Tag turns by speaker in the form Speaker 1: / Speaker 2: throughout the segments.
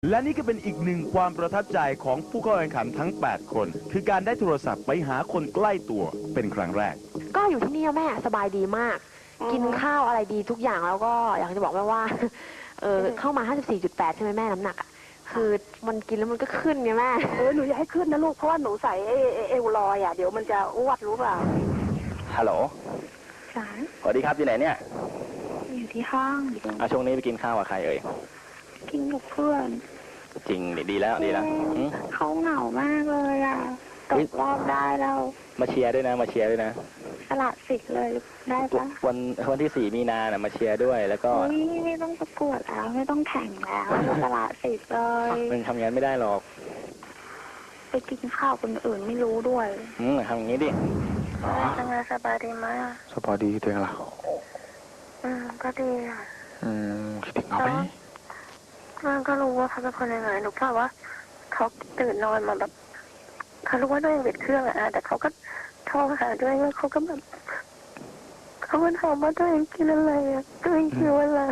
Speaker 1: และนี่ก็เป็นอีกหนึ่งความประทับใจของผู้เข้าแข่งขันทั้ง 8 คน คือการได้โทรศัพท์ไปหาคนใกล้ตัวเป็นครั้งแรก
Speaker 2: ก็อยู่ที่นี่แม่สบายดีมากกินข้าวอะไรดีทุกอย่างแล้วก็อยากจะบอกแม่ว่าเข้ามา 54.8 ใช่ไหมแม่น้ำหนักอ่ะคือมันกินแล้วมันก็ขึ้นไงแม่
Speaker 3: หนูอย่าให้ขึ้นนะลูกเพราะว่าหนูใส่เอวลอยอ่ะเดี๋ยวมันจะอ้วนรู้เปล่า
Speaker 4: ฮัลโหลสวัสดีครับอยู่ไหนเนี่ย
Speaker 3: อยู่ที่ห้อง
Speaker 4: ช่วงนี้ไปกินข้าวกับใครเอ่ย
Speaker 3: กินกับเพื่อน
Speaker 4: จริงดีแล้ว
Speaker 3: เขาเหงามากเลยอ่ะตกรอบได้แล้ว
Speaker 4: มาเชียร์ด้วยนะ
Speaker 3: สละสิทธิ์เลยได้ปะ
Speaker 4: วันที่ 4 มีนามาเชียร์ด้วยแล้วก็
Speaker 3: ไม่ต้องประกวดแล้วไม่ต้องแข่งแล้วสละสิทธิ์เลย
Speaker 4: มันทำงานไม่ได้หรอก
Speaker 3: ไปกินข้าวคนอื่นไม่รู้ด้วย
Speaker 4: ทำอย่างนี้ดิ
Speaker 3: ทำงานสบายดีไหม
Speaker 4: สบายดีตัวเองล่ะ
Speaker 3: ก็ดีอ่ะ
Speaker 4: คิดถึงเขาไหม
Speaker 3: มันก็รู้ว่าเขาเป็นคนยังไงหนูกล่าวว่าเขาตื่นนอนมาแบบเขารู้ว่าตัวเองเบ็ดเครื่องอ่ะแต่เขาก็โทรหาตัวเองว่าเขาก็แบบเขาก็ถามว่าตัวเองกินอะไรอ่ะตัวเองหิวอะไร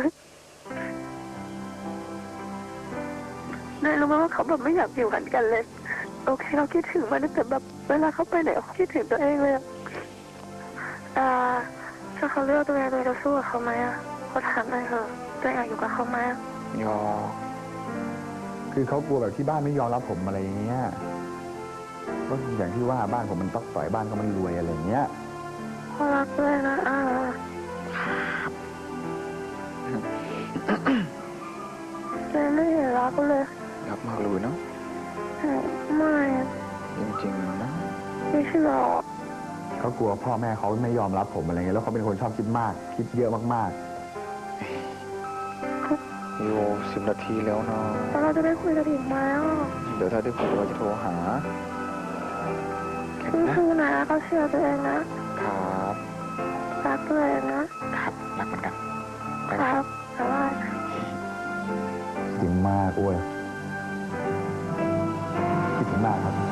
Speaker 3: นายรู้ไหมว่าเขาแบบไม่อยากอยู่หันกันเลยโอเคเขาคิดถึงมันแต่แบบเวลาเขาไปไหนเขาคิดถึงตัวเองเลยถ้าเขาเลือกตัวเองจะสู้กับเขาไหมอ่ะเขาถามหน่อยเถอะตัวเองอยากอยู่กับเขาไหม
Speaker 5: ยอคือเขากลัวแบบที่บ้านไม่ยอมรับผมอะไรอย่างเงี้ยก็อย่างที่ว่าบ้านผมมันต้องต่อยบ้านเขามันรวยอะไรอย่างเงี้ย
Speaker 3: เขารักด้วยนะแต่ไม่เห็นรักเลย
Speaker 5: รักมากเลยเนาะ
Speaker 3: ไม่
Speaker 5: จริงๆนะ
Speaker 3: ไม่ใช่หรอก
Speaker 5: เขากลัวพ่อแม่เขาไม่ยอมรับผมอะไรเงี้ยแล้วเขาเป็นคนชอบคิดมากคิดเยอะมากๆโย10 นาทีแล้วเนาะ
Speaker 3: เราจะได้คุยกันอีกไหม
Speaker 5: เดี๋ยวถ้าได้คุยเราจะโทรหา
Speaker 3: สู้ๆนะเขาเชื่อตัวเองนะครับรักตัวเอง
Speaker 5: นะครับรักเหมือนกัน
Speaker 3: ครับแต่ว่า
Speaker 5: คิดถึงมากอ้วยคิดถึงมากครับ